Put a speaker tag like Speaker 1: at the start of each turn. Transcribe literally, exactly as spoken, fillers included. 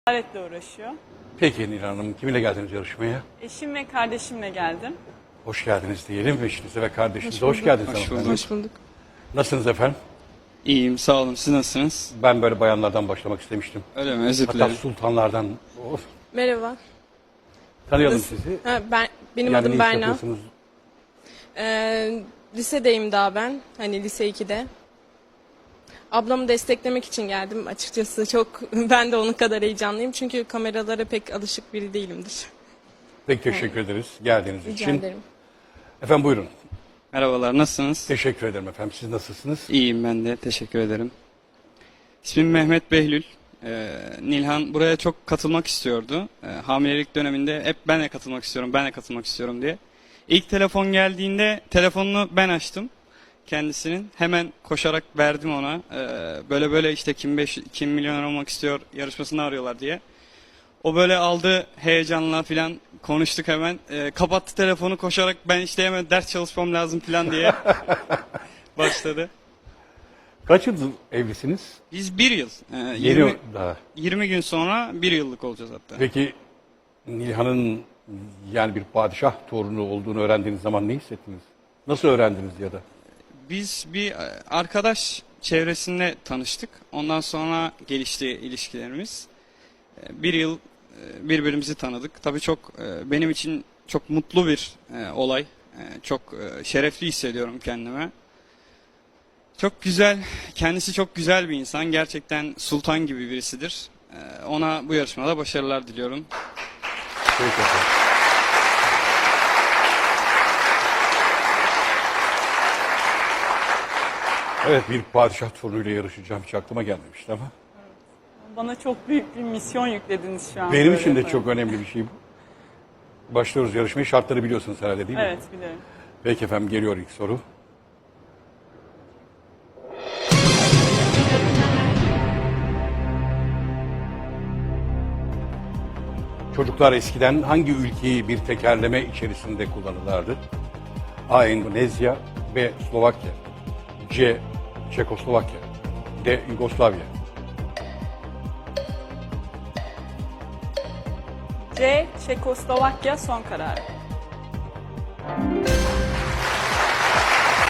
Speaker 1: Ticaretle uğraşıyor.
Speaker 2: Peki Nilhan Hanım, kiminle geldiniz yarışmaya?
Speaker 1: Eşim ve kardeşimle geldim.
Speaker 2: Hoş geldiniz diyelim. Eşinize ve kardeşinize hoş, geldiniz.
Speaker 3: Hoş
Speaker 2: hanımefendi.
Speaker 3: bulduk.
Speaker 4: Hoş bulduk.
Speaker 2: Nasılsınız efendim?
Speaker 3: İyiyim, sağ olun. Siz nasılsınız?
Speaker 2: Ben böyle bayanlardan başlamak istemiştim.
Speaker 3: Öyle mi? Özür
Speaker 2: Hatta
Speaker 3: dilerim.
Speaker 2: sultanlardan. Of.
Speaker 4: Merhaba.
Speaker 2: Tanıyalım
Speaker 4: Nasıl-
Speaker 2: sizi.
Speaker 4: Ha, ben benim
Speaker 2: Yani
Speaker 4: adım
Speaker 2: ne iş
Speaker 4: Berna.
Speaker 2: yapıyorsunuz?
Speaker 4: Ee, lisedeyim daha ben. Hani lise ikide. Ablamı desteklemek için geldim açıkçası. Çok ben de onun kadar heyecanlıyım. Çünkü kameralara pek alışık biri değilimdir.
Speaker 2: Pek teşekkür ederiz geldiğiniz
Speaker 4: Rica
Speaker 2: için.
Speaker 4: ederim.
Speaker 2: Efendim buyurun.
Speaker 3: Merhabalar, nasılsınız?
Speaker 2: Teşekkür ederim efendim. Siz nasılsınız?
Speaker 3: İyiyim ben de, teşekkür ederim. İsmim Mehmet Behlül. Ee, Nilhan buraya çok katılmak istiyordu. Ee, hamilelik döneminde hep ben de katılmak istiyorum, ben de katılmak istiyorum diye. İlk telefon geldiğinde telefonunu ben açtım kendisinin. Hemen koşarak verdim ona. Ee, böyle böyle işte kim, beş, kim milyoner olmak istiyor yarışmasını arıyorlar diye. O böyle aldı heyecanla filan konuştuk hemen. Ee, kapattı telefonu koşarak ben işte hemen ders çalışmam lazım filan diye başladı.
Speaker 2: Kaç yıldır evlisiniz?
Speaker 3: Biz bir yıl, e,
Speaker 2: Yeni
Speaker 3: yirmi,
Speaker 2: daha.
Speaker 3: yirmi gün sonra bir yıllık olacağız hatta.
Speaker 2: Peki Nilhan'ın yani bir padişah torunu olduğunu öğrendiğiniz zaman ne hissettiniz? Nasıl öğrendiniz ya da?
Speaker 3: Biz bir e, arkadaş çevresinde tanıştık. Ondan sonra gelişti ilişkilerimiz. E, Bir yıl e, birbirimizi tanıdık. Tabii çok e, benim için çok mutlu bir e, olay. E, Çok e, şerefli hissediyorum kendime. Çok güzel, kendisi çok güzel bir insan. Gerçekten sultan gibi birisidir. E, Ona bu yarışmada başarılar diliyorum.
Speaker 2: Peki efendim. Evet, bir padişah torunuyla yarışacağım hiç aklıma gelmemişti ama.
Speaker 1: Bana çok büyük bir misyon yüklediniz şu an.
Speaker 2: Benim
Speaker 1: böyle
Speaker 2: için de
Speaker 1: yaparak.
Speaker 2: çok önemli bir şey bu. Başlıyoruz yarışmayı. Şartları biliyorsunuz herhalde değil mi?
Speaker 1: Evet, biliyorum.
Speaker 2: Peki efendim, geliyor ilk soru. Çocuklar eskiden hangi ülkeyi bir tekerleme içerisinde kullanırlardı? A. Endonezya, B. Slovakya, C. Çekoslovakya, D. Yugoslavya.
Speaker 1: C. Çekoslovakya son karar.